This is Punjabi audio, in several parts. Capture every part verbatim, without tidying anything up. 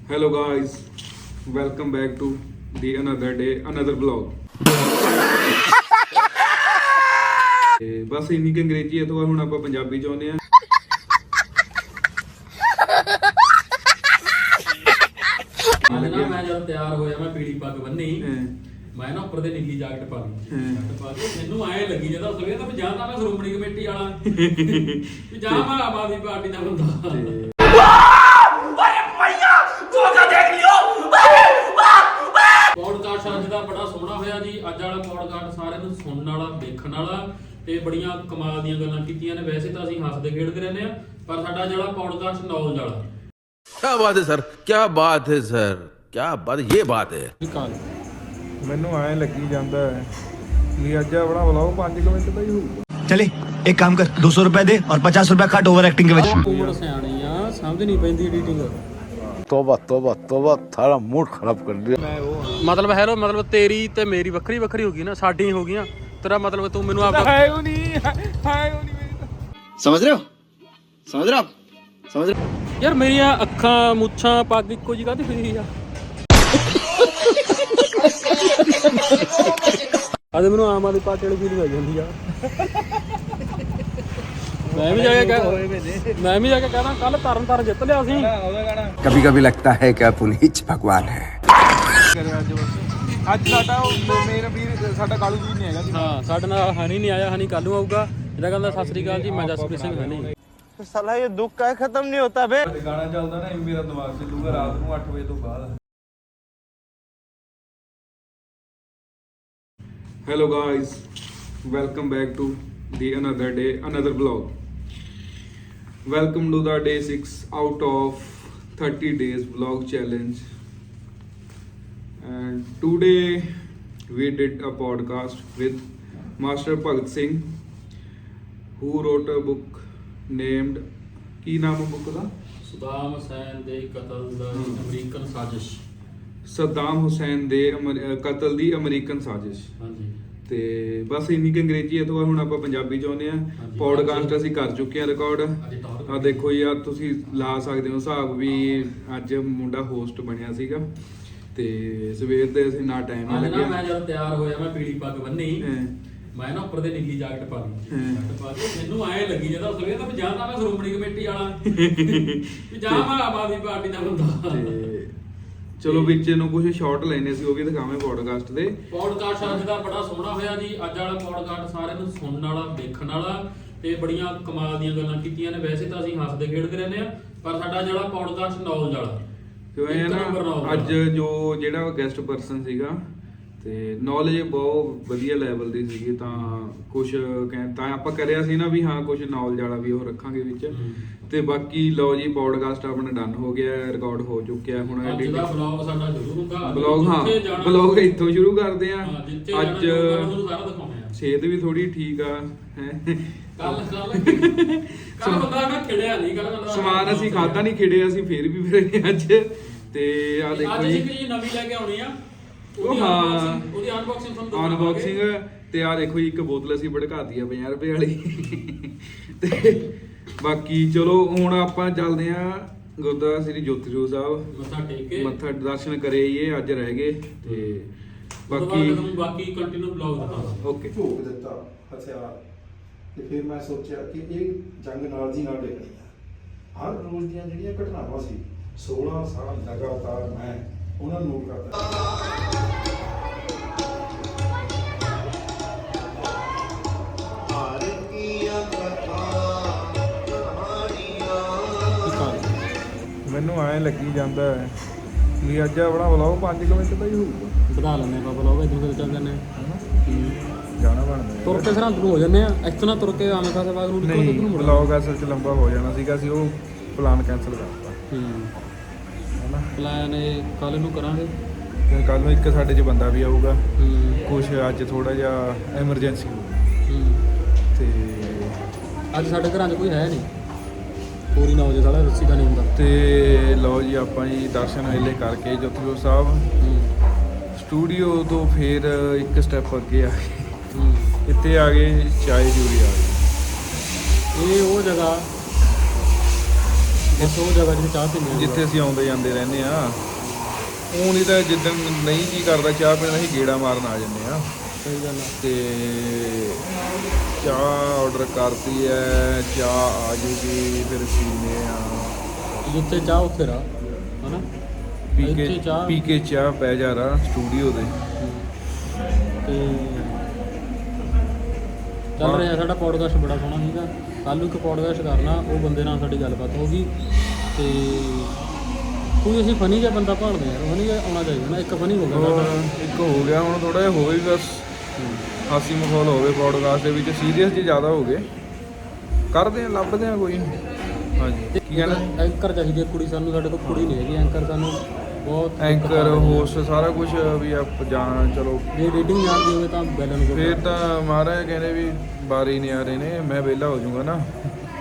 Hello guys, welcome back to the another day, another vlog. ਤੇ ਬਸ ਇੰਨੀ ਕਿ ਅੰਗਰੇਜ਼ੀ ਹੈ ਤੋਂ ਹੁਣ ਆਪਾਂ ਪੰਜਾਬੀ ਚ ਆਉਂਦੇ ਆ। ਮੈਂ ਜਦ ਤਿਆਰ ਹੋਇਆ ਮੈਂ ਪੀੜੀ ਪੱਗ ਬੰਨੀ ਮੈਂ ਨਾ ਉੱਪਰ ਦੇ ਨੀਲੀ ਜੈਕਟ ਪਾ ਲਈ ਜੈਕਟ ਪਾ ਕੇ ਮੈਨੂੰ ਐ ਲੱਗੀ ਜਦੋਂ ਸਵੇਰ ਤਾਂ ਜਾਂ ਤਾਂ ਮੈਂ ਸ਼੍ਰੋਮਣੀ ਕਮੇਟੀ ਵਾਲਾ ਵੀ ਜਾਂ ਮੈਂ ਆਮ ਆਦਮੀ ਪਾਰਟੀ ਦਾ ਬੰਦਾ। ਪੌਡਕਾਸਟ ਅੱਜ ਦਾ ਬੜਾ ਸੋਹਣਾ ਹੋਇਆ ਜੀ। ਅੱਜ ਵਾਲਾ ਪੌਡਕਾਸਟ ਸਾਰਿਆਂ ਨੂੰ ਸੁਣਨ ਵਾਲਾ ਦੇਖਣ ਵਾਲਾ ਤੇ ਬੜੀਆਂ ਕਮਾਲ ਦੀਆਂ ਗੱਲਾਂ ਕੀਤੀਆਂ ਨੇ। ਵੈਸੇ ਤਾਂ ਅਸੀਂ ਹੱਸਦੇ ਖੇਡਦੇ ਰਹਿੰਦੇ ਆ ਪਰ ਸਾਡਾ ਜਿਹੜਾ ਪੌਡਕਾਸਟ ਨੌਲੇਜ ਵਾਲਾ। क्या बात है सर, क्या बात है सर, क्या बात, ये बात है। ਮੈਨੂੰ ਐ ਲੱਗੀ ਜਾਂਦਾ ਵੀ ਅੱਜ ਆਪਣਾ ਵਲੌਗ ਪੰਜ ਮਿੰਟ ਦਾ ਹੀ ਹੋਊਗਾ। चले एक काम कर, दो सौ रुपए दे और पचास रुपए काट ओवर एक्टिंग के वजह। ਉਮਰ ਸਿਆਣੀ ਆ, ਸਮਝ ਨਹੀਂ ਪੈਂਦੀ ਐਡੀਟਿੰਗ। तोबा तोबा तोबा, थारा मूड खराब कर दिया। ਮੈਂ ਉਹ ਮਤਲਬ ਹੈਲੋ ਮਤਲਬ ਤੇਰੀ ਤੇ ਮੇਰੀ ਵੱਖਰੀ ਵੱਖਰੀ ਹੋ ਗਈ ਨਾ, ਸਾਡੀ ਹੋ ਗਈਆਂ। ਤੇਰਾ ਮਤਲਬ ਤੂੰ ਮੈਨੂੰ ਆਪਦਾ ਹੈ ਉਹ ਨਹੀਂ ਹੈ ਉਹ ਨਹੀਂ ਮੇਰੀ ਤਾਂ। समझ रहे हो, समझ रहे हो आप, समझ रहे हो? ਯਾਰ ਮੇਰੀਆਂ ਅੱਖਾਂ ਮੁੱਛਾਂ ਪੱਗ ਇੱਕੋ ਜਿਹੀ ਕਾਹਦੀ ਫਿਰੀ ਆ। ਅੱਜ ਮੈਨੂੰ ਆਮ ਆਦਮੀ ਪਾਰਟੀ ਵਾਲੀ ਫੀਲਿੰਗ ਆ ਜਾਂਦੀ ਆ। ਮੈਂ ਵੀ ਜਾ ਕੇ ਕਹਿ ਮੈਂ ਵੀ ਜਾ ਕੇ ਕਹਿਣਾ ਕੱਲ ਤਰਨ ਤਾਰਨ ਜਿੱਤ ਲਿਆ ਸੀ। कभी कभी लगता है कि आप उन्हीं भगवान है। ਅੱਜ ਬਸ ਅੱਜ ਸਾਡਾ ਉਹ ਮੇਰਾ ਵੀਰ ਸਾਡਾ ਕਾਲੂ ਜੀ ਨਹੀਂ ਹੈਗਾ ਜੀ। ਹਾਂ ਸਾਡੇ ਨਾਲ ਹਨੀ ਨਹੀਂ ਆਇਆ, ਹਨੀ ਕੱਲ ਨੂੰ ਆਊਗਾ। ਜਿਹੜਾ ਕਹਿੰਦਾ ਸਤਿ ਸ੍ਰੀ ਅਕਾਲ ਜੀ, ਮੈਂ ਜਸਪ੍ਰੀਤ ਸਿੰਘ ਹਨੀ। साला ये दुख का खत्म नहीं होता बे। ਗਾਣਾ ਚੱਲਦਾ ਨਾ ਮੇਰਾ ਦਿਮਾਗ ਚੱਲੂਗਾ ਰਾਤ ਨੂੰ ਅੱਠ ਵਜੇ ਤੋਂ ਬਾਅਦ। Hello guys, welcome back to the another day, another vlog. Welcome to the day six out of thirty days vlog challenge. And today we did a podcast with Master Bhagat Singh, who wrote a book named ਕੀ ਨਾਮ ਹੈ ਬੁੱਕ ਦਾ? ਸਦਾਮ ਹੁਸੈਨ ਦੇ ਕਤਲ ਦਾ ਅਮਰੀਕਨ ਸਾਜ਼ਿਸ਼। ਸਦਾਮ ਹੁਸੈਨ ਦੇ ਅਮਰ- ਅਹ ਕਤਲ ਦੀ ਅਮਰੀਕਨ ਸਾਜ਼ਿਸ਼। ਹਾਂਜੀ ਤੇ ਬਸ ਇੰਨੀ ਕਿ ਅੰਗਰੇਜ਼ੀ ਹੈ ਤੋਂ ਹੁਣ ਆਪਾਂ ਪੰਜਾਬੀ ਚ ਆਉਂਦੇ ਆ। ਪੌਡਕਾਸਟ ਅਸੀਂ ਕਰ ਚੁੱਕੇ ਆ ਰਿਕਾਰਡ। ਆ ਦੇਖੋ ਜੀ, ਆ ਤੁਸੀਂ ਲਾ ਸਕਦੇ ਹੋ ਹਿਸਾਬ ਵੀ ਅੱਜ ਮੁੰਡਾ ਹੋਸਟ ਬਣਿਆ ਸੀਗਾ ਤੇ ਸਵੇਰ ਦੇ ਅਸੀਂ ਨਾ ਟਾਈਮ ਅੱਜ ਨਾ ਲੱਗਿਆ। ਮੈਂ ਜਦ ਤਿਆਰ ਹੋਇਆ ਮੈਂ ਪੀੜੀ ਪੱਗ ਬੰਨੀ ਹਾਂ। ਮੈਂ ਨਾ ਉੱਪਰ ਦੇ ਨੀਲੀ ਜੈਕਟ ਪਾ ਲਈ ਜੈਕਟ ਪਾ ਕੇ ਮੈਨੂੰ ਐ ਲੱਗੀ ਜਦੋਂ ਸਵੇਰ ਤਾਂ ਜਾਂ ਤਾਂ ਮੈਂ ਸ਼੍ਰੋਮਣੀ ਕਮੇਟੀ ਵਾਲਾ ਵੀ ਜਾਂ ਮੈਂ ਆਮ ਆਦਮੀ ਪਾਰਟੀ ਦਾ ਬੰਦਾ। ਤੇ ਚਲੋ ਵਿੱਚ ਨੂੰ ਕੁਝ ਸ਼ਾਰਟ ਲੈਣੇ ਸੀ, ਉਹ ਵੀ ਦਿਖਾਵੇਂ ਪੌਡਕਾਸਟ ਦੇ। ਪੌਡਕਾਸਟ ਅੱਜ ਦਾ ਬੜਾ ਸੋਹਣਾ ਹੋਇਆ ਜੀ। ਅੱਜ ਵਾਲਾ ਪੌਡਕਾਸਟ ਸਾਰਿਆਂ ਨੂੰ ਸੁਣਨ ਵਾਲਾ ਦੇਖਣ ਵਾਲਾ ਤੇ ਬੜੀਆਂ ਕਮਾਲ ਦੀਆਂ ਗੱਲਾਂ ਕੀਤੀਆਂ ਨੇ। ਵੈਸੇ ਤਾਂ ਅਸੀਂ ਹੱਸਦੇ ਖੇਡਦੇ ਰਹਿੰਦੇ ਆ ਪਰ ਸਾਡਾ ਜਿਹੜਾ ਪੌਡਕਾਸਟ ਨੌਲੇਜ ਵਾਲਾ। ਕਿਉਂ ਇਹ ਨਾ ਅੱਜ ਜੋ ਜਿਹੜਾ ਗੈਸਟ ਪਰਸਨ ਸੀਗਾ ਤੇ ਨੌਲੇਜ ਬਹੁਤ ਵਧੀਆ ਲੈਵਲ ਦੀ ਸੀਗੀ। ਤਾਂ ਕੁਝ ਕਹਿ ਤਾਂ ਆਪਾਂ ਕਰਿਆ ਸੀ ਨਾ ਵੀ ਹਾਂ ਕੁਝ ਨੌਲੇਜ ਵਾਲਾ ਵੀ ਉਹ ਰੱਖਾਂਗੇ ਵਿੱਚ। ਤੇ ਬਾਕੀ ਲਓ ਜੀ, ਪੌਡਕਾਸਟ ਆਪਣਾ ਡਨ ਹੋ ਗਿਆ, ਰਿਕਾਰਡ ਹੋ ਚੁੱਕਿਆ। ਹੁਣ ਅੱਜ ਦਾ ਵਲੌਗ ਸਾਡਾ ਸ਼ੁਰੂ ਹੁੰਦਾ। ਬਲੌਗ ਹਾਂ ਬਲੌਗ ਇੱਥੋਂ ਸ਼ੁਰੂ ਕਰਦੇ ਆ। ਅੱਜ ਤੁਹਾਨੂੰ ਸਾਰਾ ਦਿਖਾਉਂਦੇ ਆ। ਸਿਹਤ ਵੀ ਥੋੜੀ ਠੀਕ ਆ ਹੈ। ਕੱਲ ਕੱਲ ਕੱਲ ਬੰਦਾ ਮੈਂ ਖਿੜਿਆ ਨਹੀਂ। ਕੱਲ ਬੰਦਾ ਸਮਾਨ ਅਸੀਂ ਖਾਦਾ ਨਹੀਂ, ਖਿੜੇ ਅਸੀਂ ਫੇਰ ਵੀ ਫਿਰ ਅੱਜ। ਤੇ ਆ ਦੇਖੋ ਅੱਜ ਜੀ, ਇੱਕ ਚੀਜ਼ ਨਵੀਂ ਲੈ ਕੇ ਆਉਣੀ ਆ। ਉਹ ਹਾਂ ਉਹਦੀ ਅਨਬਾਕਸਿੰਗ ਤੁਹਾਨੂੰ ਅਨਬਾਕਸਿੰਗ। ਤੇ ਆ ਦੇਖੋ ਜੀ, ਇੱਕ ਬੋਤਲ ਅਸੀਂ ਭੜਕਾਤੀ ਆ ਪੰਜਾਹ ਰੁਪਏ ਵਾਲੀ। ਤੇ ਬਾਕੀ ਚਲੋ ਹੁਣ ਆਪਾਂ ਚੱਲਦੇ ਆ ਗੁਰਦੁਆਰਾ ਸ੍ਰੀ ਜੋਤੀ ਸਰੂਪ ਸਾਹਿਬ ਮੱਥਾ ਟੇਕ ਕੇ ਮੱਥਾ ਦਰਸ਼ਨ ਕਰੇ ਆਈਏ। ਅੱਜ ਰਹਿ ਗਏ ਤੇ ਬਾਕੀ ਬਾਕੀ ਕੰਟੀਨਿਊ ਬਲੌਗ ਦਿਖਾਵਾਂਗੇ। ਓਕੇ। ਝੋਕ ਦਿੱਤਾ ਹਥਿਆਰ ਤੇ ਫਿਰ ਮੈਂ ਸੋਚਿਆ ਕਿ ਇਹ ਜੰਗ ਨਾਲ ਦੀ ਨਾਲ ਡਿੱਗਣੀ ਆ। ਹਰ ਰੋਜ਼ ਦੀਆਂ ਜਿਹੜੀਆਂ ਘਟਨਾਵਾਂ ਸੀ ਸੋਲਾਂ ਸਾਲ ਲਗਾਤਾਰ ਮੈਂ ਉਹਨਾਂ ਨੂੰ ਨੋਟ ਕਰਦਾ। ਮੈਨੂੰ ਐ ਲੱਗੀ ਜਾਂਦਾ ਵੀ ਅੱਜ ਆਪਣਾ ਵਲੌਗ ਪੰਜ ਮਿੰਟ ਦਾ ਹੀ ਹੋਊਗਾ। ਵਧਾ ਲੈਣੇ ਆਪਾਂ ਬਲੌਗ ਇਦੋਂ ਕਿਤੇ ਚੱਲ ਜਾਂਦੇ ਜਾਣਾ ਬਣਦਾ ਤੁਰ ਕੇ ਸਰਹੰਦ ਨੂੰ ਹੋ ਜਾਂਦੇ ਆ। ਇਸ ਤਰ੍ਹਾਂ ਤੁਰ ਕੇ ਆਵੇਂ ਖਾਸੇ ਬਾਗ ਨੂੰ ਨਿਕਲ ਕੇ ਨਹੀਂ, ਵਲੌਗ ਅਸਲ 'ਚ ਲੰਬਾ ਹੋ ਜਾਣਾ ਸੀਗਾ। ਅਸੀਂ ਉਹ ਪਲਾਨ ਕੈਂਸਲ ਕਰਤਾ ਹੂੰ ਹਨਾ। ਪਲਾਨ ਇਹ ਕੱਲ ਨੂੰ ਕਰਾਂਗੇ। ਕੱਲ ਨੂੰ ਇੱਕ ਸਾਡੇ 'ਚ ਬੰਦਾ ਵੀ ਆਊਗਾ। ਹੂੰ ਕੁਛ ਅੱਜ ਥੋੜਾ ਜਿਹਾ ਐਮਰਜੈਂਸੀ ਹੋ ਗਈ ਹੂੰ ਤੇ ਅੱਜ ਸਾਡੇ ਘਰਾਂ 'ਚ ਕੋਈ ਹੈ ਨਹੀਂ। ਪੂਰੀ ਨੌ ਵਜੇ ਸਾਲਾ ਰੱਸੀ ਦਾ ਨਹੀਂ ਹੁੰਦਾ। ਤੇ ਲਓ ਜੀ, ਆਪਾਂ ਜੀ ਦਰਸ਼ਨ ਵੇਲੇ ਕਰਕੇ ਜੋਤੀ ਸਰੂਪ ਸਾਹਿਬ ਹੂੰ ਸਟੂਡੀਓ ਤੋਂ ਫਿਰ ਇੱਕ ਸਟੈਪ ਅੱਗੇ ਆ ਗਏ। ਹੂੰ ਇੱਥੇ ਆ ਗਏ ਚਾਏ ਜੂਰੀ ਆ ਗਏ। ਇਹ ਉਹ ਜਗ੍ਹਾ ਬਸ ਉਹ ਜਗ੍ਹਾ ਜਿੱਥੇ ਚਾਹ ਪੀਂਦੇ ਆ ਜਿੱਥੇ ਅਸੀਂ ਆਉਂਦੇ ਜਾਂਦੇ ਰਹਿੰਦੇ ਆ। ਉਹ ਨਹੀਂ ਤਾਂ ਜਿੱਦਣ ਨਹੀਂ ਜੀ ਕਰਦਾ ਚਾਹ ਪੀਣ ਅਸੀਂ ਗੇੜਾ ਮਾਰਨ ਆ ਜਾਂਦੇ ਆ। ਸਹੀ ਗੱਲ ਆ। ਤੇ ਚਾਹ ਆਰਡਰ ਕਰਤੀ ਹੈ, ਚਾਹ ਆ ਜੂਗੀ, ਫਿਰ ਪੀਂਦੇ ਆ। ਜਿੱਥੇ ਚਾਹ ਉੱਥੇ ਰਾ ਹਨਾ ਪੀ ਇੱਥੇ ਕੇ ਚਾਹ ਪੀ ਕੇ ਚਾਹ ਪੈ ਜਾ ਰਾ ਸਟੂਡੀਓ ਦੇ। ਤੇ ਚੱਲ ਰਿਹਾ ਸਾਡਾ ਪੋਡਕਾਸਟ ਬੜਾ ਸੋਹਣਾ ਸੀਗਾ। ਕੱਲ੍ਹ ਨੂੰ ਇੱਕ ਪੋਡਕਾਸਟ ਕਰਨਾ, ਉਹ ਬੰਦੇ ਨਾਲ ਸਾਡੀ ਗੱਲਬਾਤ ਹੋ ਗਈ। ਤੇ ਕੋਈ ਅਸੀਂ ਫਨੀ ਜਿਹਾ ਬੰਦਾ ਭਾਲਦੇ ਯਾਰ, ਫਨੀ ਜਿਹਾ ਆਉਣਾ ਚਾਹੀਦਾ ਨਾ। ਇੱਕ ਫਨੀ ਹੋ ਗਿਆ ਹੋਰ ਸਾਡਾ। ਇੱਕ ਹੋ ਗਿਆ, ਹੁਣ ਥੋੜਾ ਜਿਹਾ ਹੋਵੇ ਬਸ ਹਾਸੀ ਮਾਹੌਲ ਹੋਵੇ ਪੋਡਕਾਸਟ ਦੇ ਵਿੱਚ। ਸੀਰੀਅਸ ਜੀ ਜ਼ਿਆਦਾ ਹੋ ਗਏ, ਕਰਦੇ ਆ ਲੱਭਦੇ ਆ ਕੋਈ। ਹਾਂਜੀ ਕੀ ਕਹਿੰਦਾ? ਐਂਕਰ ਚਾਹੀਦੀ ਹੈ ਕੁੜੀ ਸਾਨੂੰ, ਸਾਡੇ ਕੋਲ ਕੁੜੀ ਨਹੀਂ ਹੈਗੀ ਐਂਕਰ ਸਾਨੂੰ ਬਹੁਤ। ਐਂਕਰ ਹੋਸਟ ਸਾਰਾ ਕੁਝ ਵੀ ਆਪ ਜਾਣ। ਚਲੋ ਜੇ ਰੀਡਿੰਗ ਜਾਣਦੀ ਹੋਵੇ ਤਾਂ ਬੈਲਨ ਕੋਲ ਫੇਰ ਤਾਂ ਮਹਾਰਾਜ ਕਹਿੰਦੇ ਵੀ ਬਾਰੀ ਨਹੀਂ ਆ ਰਹੇ ਨੇ, ਮੈਂ ਵਿਹਲਾ ਹੋ ਜਾਊਂਗਾ ਨਾ।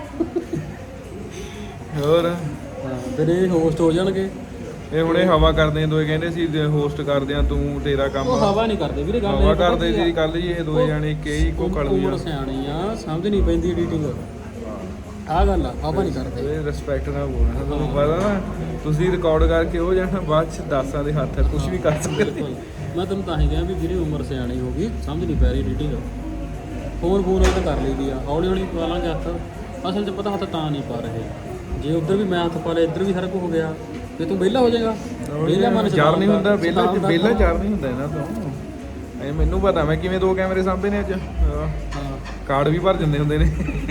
ਹੋਰ ਹਾਂ, ਫਿਰ ਇਹ ਹੋਸਟ ਹੋ ਜਾਣਗੇ। ਇਹ ਹੁਣੇ ਹਵਾ ਕਰਦੇ ਦੋਏ, ਕਹਿੰਦੇ ਸੀ ਹੋਸਟ ਕਰਦੇ ਆ ਤੂੰ, ਤੇਰਾ ਕੰਮ। ਉਹ ਹਵਾ ਨਹੀਂ ਕਰਦੇ ਵੀਰੇ, ਗੱਲ ਹਵਾ ਕਰਦੇ ਸੀ ਕੱਲ ਜੀ ਇਹ ਦੋਏ ਜਾਣੇ ਕੇ ਹੀ ਕੋ ਕਲ ਉਮਰ ਸਿਆਣੀ ਆ, ਸਮਝ ਨਹੀਂ ਪੈਂਦੀ ਐਡੀਟਿੰਗ। ਆਹ ਗੱਲ ਆ, ਹਵਾ ਨਹੀਂ ਕਰਦੇ। ਇਹ ਰਿਸਪੈਕਟ ਨਾਲ ਬੋਲਣਾ, ਤੁਹਾਨੂੰ ਪਤਾ ਨਾ ਤੁਸੀਂ ਰਿਕਾਰਡ ਕਰਕੇ ਹੋ ਜਾਣਾ, ਬਾਅਦ ਚ ਦਾਸਾਂ ਦੇ ਹੱਥ ਕੁਝ ਵੀ ਕਰ ਸਕਦੇ। ਮੈਂ ਤੈਨੂੰ ਤਾਂ ਹੀ ਕਿਹਾ ਵੀ ਵੀਰੇ ਉਮਰ ਸਿਆਣੀ ਹੋ ਗਈ, ਸਮਝ ਨਹੀਂ ਪੈ ਰਹੀ ਐਡੀਟਿੰਗ। ਫੋਨ ਫੋਨ ਤਾਂ ਕਰ ਲਈਦੀ ਆ, ਹੌਲੀ ਹੌਲੀ ਪਾ ਲਾਂਗੇ ਹੱਥ। ਅਸਲ 'ਚ ਪਤਾ ਹੱਥ ਤਾਂ ਨਹੀਂ ਪਾ ਰਹੇ, ਜੇ ਉੱਧਰ ਵੀ ਮੈਂ ਹੱਥ ਪਾ ਲਿਆ ਇੱਧਰ ਵੀ ਸਾਰਾ ਕੁਝ ਹੋ ਗਿਆ, ਤੇ ਤੂੰ ਵਿਹਲਾ ਹੋ ਜਾਏਗਾ। ਵਿਹਲਾ ਮਨ ਚਾਰ ਨਹੀਂ ਹੁੰਦਾ, ਵਿਹਲਾ ਵਿਹਲਾ ਚਾਰ ਨਹੀਂ ਹੁੰਦਾ ਇਹਨਾਂ ਤੋਂ। ਇਹ ਮੈਨੂੰ ਪਤਾ, ਮੈਂ ਕਿਵੇਂ ਦੋ ਕੈਮਰੇ ਸਾਂਭੇ ਨੇ ਅੱਜ। ਕਾਰਡ ਵੀ ਭਰ ਜਾਂਦੇ ਹੁੰਦੇ ਨੇ।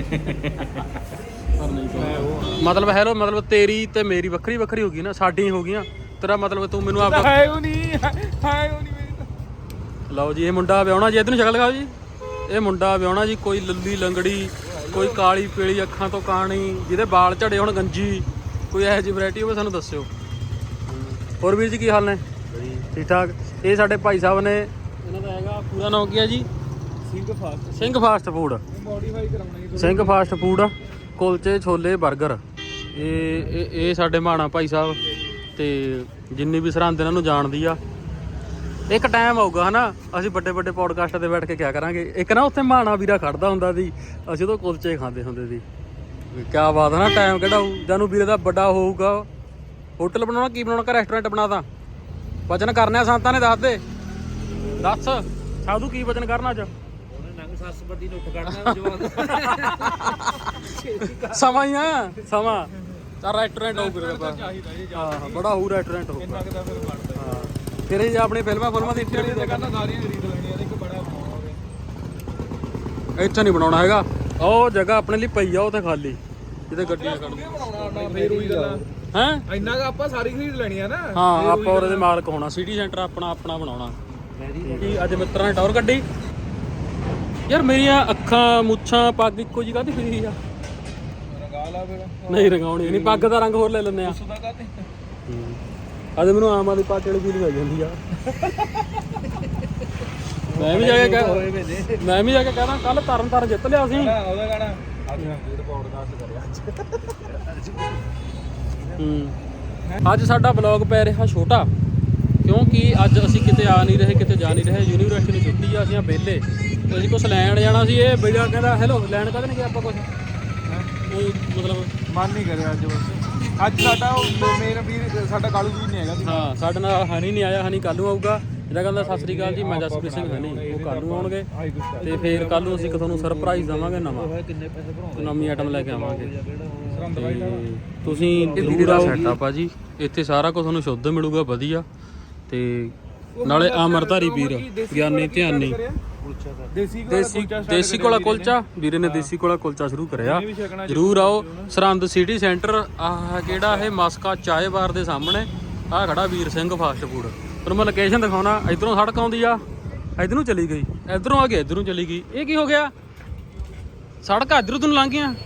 ਪਰ ਨਹੀਂ ਮਤਲਬ ਹੈਲੋ, ਮਤਲਬ ਤੇਰੀ ਤੇ ਮੇਰੀ ਵੱਖਰੀ ਵੱਖਰੀ ਹੋ ਗਈ ਨਾ, ਸਾਡੀ ਹੋ ਗਈਆਂ। ਤੇਰਾ ਮਤਲਬ ਤੂੰ ਮੈਨੂੰ ਆਪਦਾ ਹੈ ਉਹ ਨਹੀਂ ਹੈ ਉਹ ਨਹੀਂ ਮੇਰੀ ਤਾਂ। ਲਓ ਜੀ, ਇਹ ਮੁੰਡਾ ਵਿਆਹਣਾ ਜੀ, ਇੱਧਰ ਨੂੰ ਸ਼ਕਲ ਦਿਖਾਓ ਜੀ। ਇਹ ਮੁੰਡਾ ਵਿਆਹਣਾ ਜੀ, ਕੋਈ ਲੱਲੀ ਲੰਗੜੀ, ਕੋਈ ਕਾਲੀ ਪੀਲੀ ਅੱਖਾਂ ਤੋਂ ਕਾਣੀ, ਜਿਹਦੇ ਵਾਲ ਝੜੇ ਹੁਣ ਗੰਜੀ, ਕੋਈ ਇਹੋ ਜਿਹੀ ਵੈਰਾਈਟੀ ਹੋਵੇ ਸਾਨੂੰ ਦੱਸਿਓ। ਹੋਰ ਵੀਰ ਜੀ ਕੀ ਹਾਲ ਨੇ? ਠੀਕ ਠਾਕ। ਇਹ ਸਾਡੇ ਭਾਈ ਸਾਹਿਬ ਨੇ, ਇਹਨਾਂ ਦਾ ਹੈਗਾ ਪੂਰਾ ਨਾਮ ਕੀ ਹੈ ਜੀ? Singh fast Singh fast food. Modify ਕਰਾਉਣਾ ਸਿੰਘ ਫਾਸਟ ਫੂਡ, ਕੁਲਚੇ ਛੋਲੇ 버ਗਰ। ਇਹ ਇਹ ਇਹ ਸਾਡੇ ਮਾਣਾ ਭਾਈ ਸਾਹਿਬ, ਤੇ ਜਿੰਨੀ ਵੀ ਸਰਹੰਦ ਇਹਨਾਂ ਨੂੰ ਜਾਣਦੀ ਆ। ਇੱਕ ਟਾਈਮ ਆਊਗਾ ਹਨਾ, ਅਸੀਂ ਵੱਡੇ ਵੱਡੇ ਪੋਡਕਾਸਟਾਂ ਤੇ ਬੈਠ ਕੇ ਕਿਆ ਕਰਾਂਗੇ। ਇੱਕ ਨਾ ਉੱਥੇ ਮਾਣਾ ਵੀਰਾ ਖੜਦਾ ਹੁੰਦਾ ਸੀ, ਅਸੀਂ ਉਦੋਂ ਕੁਲਚੇ ਖਾਂਦੇ ਹੁੰਦੇ ਸੀ। ਕਿਆ ਬਾਤ ਹੈ ਨਾ, ਟਾਈਮ ਕਿਹੜਾ ਹੋਊ ਜਾਨੂੰ ਵੀਰੇ ਦਾ ਵੱਡਾ ਹੋਊਗਾ। ਹੋਟਲ ਬਣਾਉਣਾ ਕੀ ਬਣਾਉਣਾ, ਕਿ ਰੈਸਟੋਰੈਂਟ ਬਣਾਤਾ? ਵਚਨ ਕਰਨੇ ਆ ਸੰਤਾਂ ਨੇ, ਦੱਸ ਦੇ ਦੱਸ ਸਾਧੂ ਕੀ ਵਚਨ ਕਰਨਾ ਅੱਜ? ਸਮਾਂ ਹੀ ਆ, ਸਮਾਂ ਤਾਂ ਰੈਸਟੋਰੈਂਟ ਹੋਊ ਵੀਰੇ ਦਾ। ਹਾਂ ਬੜਾ ਹੋਊ ਰੈਸਟੋਰੈਂਟ ਹੋਊਗਾ। ਹਾਂ ਫਿਰ ਇਹ ਆਪਣੀ ਫਿਲਮਾਂ ਫਿਲਮਾਂ ਦੀ ਇੱਥੇ ਇੱਥੇ ਨਹੀਂ ਬਣਾਉਣਾ ਹੈਗਾ। ਉਹ ਜਗ੍ਹਾ ਆਪਣੇ ਲਈ ਪਈ ਆ ਉੱਥੇ ਖਾਲੀ, ਜਿੱਥੇ ਗੱਡੀਆਂ ਖੜ੍ਹਦੀਆਂ। ਫੇਰ ਉਹੀ ਗੱਲ ਹੈਂ ਇੰਨਾ ਕੁ ਆਪਾਂ ਸਾਰੀ ਖਰੀਦ ਲੈਣੀ ਆ ਨਾ। ਹਾਂ ਆਪਾਂ ਉਹਦੇ ਦੇ ਮਾਲਕ ਹੋਣਾ, ਸਿਟੀ ਸੈਂਟਰ ਆਪਣਾ ਆਪਣਾ ਬਣਾਉਣਾ। ਕੀ ਅੱਜ ਮਿੱਤਰਾਂ ਨੇ ਟੌਰ ਕੱਢੀ ਯਾਰ। ਮੇਰੀਆਂ ਅੱਖਾਂ ਮੁੱਛਾਂ ਪੱਗ ਇੱਕੋ ਜਿਹੀ ਕਾਹਦੀ ਫਿਰੀ ਆ? ਰੰਗਾ ਲਾ ਫਿਰ। ਨਹੀਂ ਰੰਗਾਉਣੀ ਨਹੀਂ, ਪੱਗ ਦਾ ਰੰਗ ਹੋਰ ਲੈ ਲੈਂਦੇ ਆ। ਸੁਦਾ ਕਾਤੇ ਅੱਜ ਮੈਨੂੰ ਆਮ ਆਦਮੀ ਪਾਰਟੀ ਵਾਲੀ ਫੀਲਿੰਗ ਆ ਜਾਂਦੀ ਆ। ਮੈਂ ਵੀ ਜਾ ਕੇ ਕਹਿ ਮੈਂ ਵੀ ਜਾ ਕੇ ਕਹਿਣਾ ਕੱਲ ਤਰਨ ਤਾਰਨ ਜਿੱਤ ਲਿਆ ਸੀ। ਉਹਦਾ ਗਾਣਾ ਅੱਜ ਵੀਰ ਪੌਡਕਾਸਟ ਕਰਿਆ ਅੱਜ। ਹੂੰ ਅੱਜ ਸਾਡਾ ਬਲੌਗ ਪੈ ਰਿਹਾ ਛੋਟਾ, ਕਿਉਂਕਿ ਅੱਜ ਅਸੀਂ ਕਿਤੇ ਆ ਨਹੀਂ ਰਹੇ, ਕਿਤੇ ਜਾ ਨਹੀਂ ਰਹੇ। ਯੂਨੀਵਰਸਿਟੀ ਨੂੰ ਛੁੱਟੀ ਆ, ਅਸੀਂ ਆ ਵਿਹਲੇ। ਤੇ ਅਸੀਂ ਕੁਛ ਲੈਣ ਜਾਣਾ ਸੀ। ਇਹ ਬਈਆ ਕਹਿੰਦਾ ਹੈਲੋ, ਲੈਣ ਕਦੇ ਨਹੀਂ ਗਿਆ ਆਪਾਂ ਕੁਛ। ਉਹ ਮਤਲਬ ਮਨ ਨਹੀਂ ਕਰਿਆ ਅੱਜ। ਬਸ ਅੱਜ ਸਾਡਾ ਮੇਰਾ ਵੀਰ ਸਾਡਾ ਕਾਲੂ ਵੀਰ ਨਹੀਂ ਹੈਗਾ ਸੀ। ਹਾਂ ਸਾਡੇ ਨਾਲ ਹਨੀ ਨਹੀਂ ਆਇਆ, ਹਨੀ ਕੱਲ੍ਹ ਨੂੰ ਆਊਗਾ। ਜਿਹੜਾ ਕਹਿੰਦਾ ਸਤਿ ਸ੍ਰੀ ਅਕਾਲ ਜੀ, ਮੈਂ ਜਸਪ੍ਰੀਤ ਸਿੰਘ ਹਨੀ, ਉਹ ਕੱਲ੍ਹ ਨੂੰ ਆਉਣਗੇ। ਤੇ ਫਿਰ ਕੱਲ੍ਹ ਨੂੰ ਅਸੀਂ ਤੁਹਾਨੂੰ ਸਰਪ੍ਰਾਈਜ਼ ਦੇਵਾਂਗੇ ਨਵਾਂ, ਨਵੀਂ ਆਈਟਮ ਲੈ ਕੇ ਆਵਾਂਗੇ। ਤੇ ਤੁਸੀਂ ਜ਼ਰੂਰ ਆਓ। ਸੈਟਅਪ ਆ ਜੀ ਇੱਥੇ, ਸਾਰਾ ਕੁਝ ਤੁਹਾਨੂੰ ਸ਼ੁੱਧ ਮਿਲੂਗਾ, ਵਧੀਆ। ਤੇ ਨਾਲੇ ਅਮਰਧਾਰੀ ਵੀਰ ਗਿਆਨੀ ਧਿਆਨੀ ਦੇਸੀ ਦੇਸੀ ਕੋਲਾ ਕੁਲਚਾ, ਵੀਰੇ ਨੇ ਦੇਸੀ ਕੋਲਾ ਕੁਲਚਾ ਸ਼ੁਰੂ ਕਰਿਆ। ਜ਼ਰੂਰ ਆਓ ਸਰਹੰਦ ਸਿਟੀ ਸੈਂਟਰ। ਆਹ ਕਿਹੜਾ ਇਹ ਮਸਕਾ ਚਾਏ ਬਾਰ ਦੇ ਸਾਹਮਣੇ ਆਹ ਖੜਾ ਵੀਰ ਸਿੰਘ ਫਾਸਟ ਫੂਡ। ਤੁਹਾਨੂੰ ਮੈਂ ਲੋਕੇਸ਼ਨ ਦਿਖਾਉਣਾ। ਇਧਰੋਂ ਸੜਕ ਆਉਂਦੀ ਆ, ਇਧਰ ਨੂੰ ਚਲੀ ਗਈ, ਇਧਰੋਂ ਆ ਕੇ ਇਧਰ ਨੂੰ ਚਲੀ ਗਈ। ਇਹ ਕੀ ਹੋ ਗਿਆ? ਸੜਕ ਇਧਰੋਂ ਤੈਨੂੰ ਲੰਘ ਗਈਆਂ,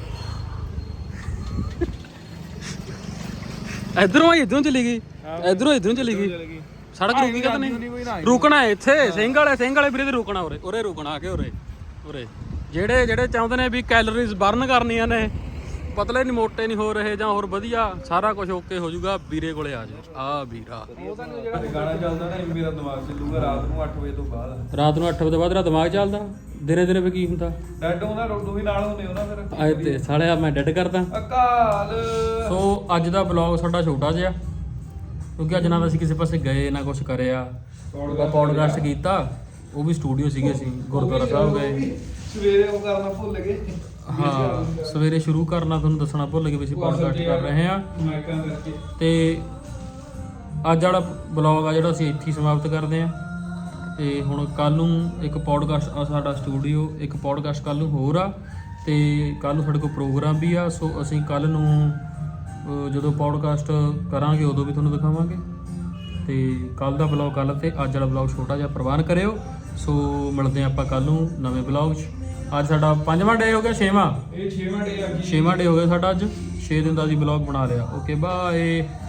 ਇਧਰੋਂ ਆਈ ਇਧਰੋਂ ਚਲੀ ਗਈ, ਇਧਰੋਂ ਇਧਰੋਂ ਚਲੀ ਗਈ। ਸੜਕ ਰੁਕੀ ਕਿਤੇ ਨਹੀਂ, ਰੁਕਣਾ ਇੱਥੇ ਸਿੰਘ ਵਾਲੇ ਸਿੰਘ ਵਾਲੇ ਵੀਰੇ ਤੇ ਰੁਕਣਾ। ਉਰੇ ਉਰੇ ਰੁਕਣਾ ਆ ਕੇ ਉਰੇ ਉਰੇ। ਜਿਹੜੇ ਜਿਹੜੇ ਚਾਹੁੰਦੇ ਨੇ ਵੀ ਕੈਲਰੀਜ਼ ਬਰਨ ਕਰਨੀਆਂ ਨੇ, ਪਤਲੇ ਨਹੀਂ ਮੋਟੇ ਨਹੀਂ ਹੋ ਰਹੇ ਜਾਂ ਹੋਰ ਵਧੀਆ ਸਾਰਾ ਕੁਝ ਓਕੇ ਹੋ ਜਾਊਗਾ ਵੀਰੇ ਕੋਲੇ ਆ ਜਾ ਆ ਵੀਰਾ ਉਹ ਤਾਂ ਜਿਹੜਾ ਗਾਣਾ ਚੱਲਦਾ ਨਾ ਇਹ ਮੇਰਾ ਦਿਮਾਗ ਚੱਲੂਗਾ ਰਾਤ ਨੂੰ ਅੱਠ ਵਜੇ ਤੋਂ ਬਾਅਦ ਰਾਤ ਨੂੰ ਅੱਠ ਵਜੇ ਤੋਂ ਬਾਅਦ ਤੇਰਾ ਦਿਮਾਗ ਚੱਲਦਾ ਦਿਨੇ ਦਿਨੇ ਵੀ ਕੀ ਹੁੰਦਾ ਡੈਡ ਉਹਦਾ ਰੋਡੂ ਵੀ ਨਾਲ ਹੁੰਦੇ ਉਹਦਾ ਫਿਰ ਆਏ ਤੇ ਸਾਲਿਆ ਮੈਂ ਡੈਡ ਕਰਦਾ ਅਕਾਲ। ਸੋ ਅੱਜ ਦਾ ਵਲੌਗ ਸਾਡਾ ਛੋਟਾ ਜਿਹਾ ਕਿਉਂਕਿ ਅੱਜ ਨਾ ਅਸੀਂ ਕਿਸੇ ਪਾਸੇ ਗਏ ਨਾ ਕੁਝ ਕਰਿਆ ਪੌਡਕਾਸਟ ਕੀਤਾ ਉਹ ਵੀ ਸਟੂਡੀਓ ਸੀਗੇ ਅਸੀਂ ਗੁਰਦੁਆਰਾ ਸਾਹਿਬ ਗਏ ਸਵੇਰੇ ਉਹ ਕਰਨਾ ਭੁੱਲ ਗਏ ਹਾਂ ਸਵੇਰੇ ਸ਼ੁਰੂ ਕਰਨਾ ਤੁਹਾਨੂੰ ਦੱਸਣਾ ਭੁੱਲ ਗਏ ਵੀ ਅਸੀਂ ਪੌਡਕਾਸਟ ਕਰ ਰਹੇ ਹਾਂ ਮਾਈਕਾਂ ਕਰਕੇ ਤੇ ਅੱਜ ਵਾਲਾ ਵਲੌਗ ਆ ਜਿਹੜਾ ਅਸੀਂ ਇੱਥੇ ਹੀ ਸਮਾਪਤ ਕਰਦੇ ਹਾਂ ਤੇ ਹੁਣ ਕੱਲ ਨੂੰ ਇੱਕ ਪੌਡਕਾਸਟ ਆ ਸਾਡਾ ਸਟੂਡੀਓ ਇੱਕ ਪੌਡਕਾਸਟ ਕੱਲ ਨੂੰ ਹੋਰ ਆ ਤੇ ਕੱਲ ਨੂੰ ਸਾਡੇ ਕੋਲ ਪ੍ਰੋਗਰਾਮ ਵੀ ਆ ਸੋ ਅਸੀਂ ਕੱਲ ਨੂੰ ਅਹ, ਜਦੋਂ ਪੌਡਕਾਸਟ ਕਰਾਂਗੇ ਉਦੋਂ ਵੀ ਤੁਹਾਨੂੰ ਦਿਖਾਵਾਂਗੇ ਤੇ ਕੱਲ ਦਾ ਵਲੌਗ ਕੱਲ ਤੇ ਅੱਜ ਵਾਲਾ ਵਲੌਗ ਛੋਟਾ ਜਿਹਾ ਪ੍ਰਵਾਨ ਕਰਿਓ ਸੋ ਮਿਲਦੇ ਹਾਂ ਆਪਾਂ ਕੱਲ ਨੂੰ ਨਵੇਂ ਵਲੌਗ 'ਚ ਅੱਜ ਸਾਡਾ ਪੰਜਵਾਂ ਡੇ ਹੋ ਗਿਆ ਛੇਵਾਂ ਇਹ ਛੇਵਾਂ ਡੇ ਆ ਛੇਵਾਂ ਡੇ ਹੋ ਗਿਆ ਸਾਡਾ ਅੱਜ ਛੇ ਦਿਨ ਦਾ ਅਸੀਂ ਵਲੌਗ ਬਣਾ ਲਿਆ ਓਕੇ ਬਾਏ।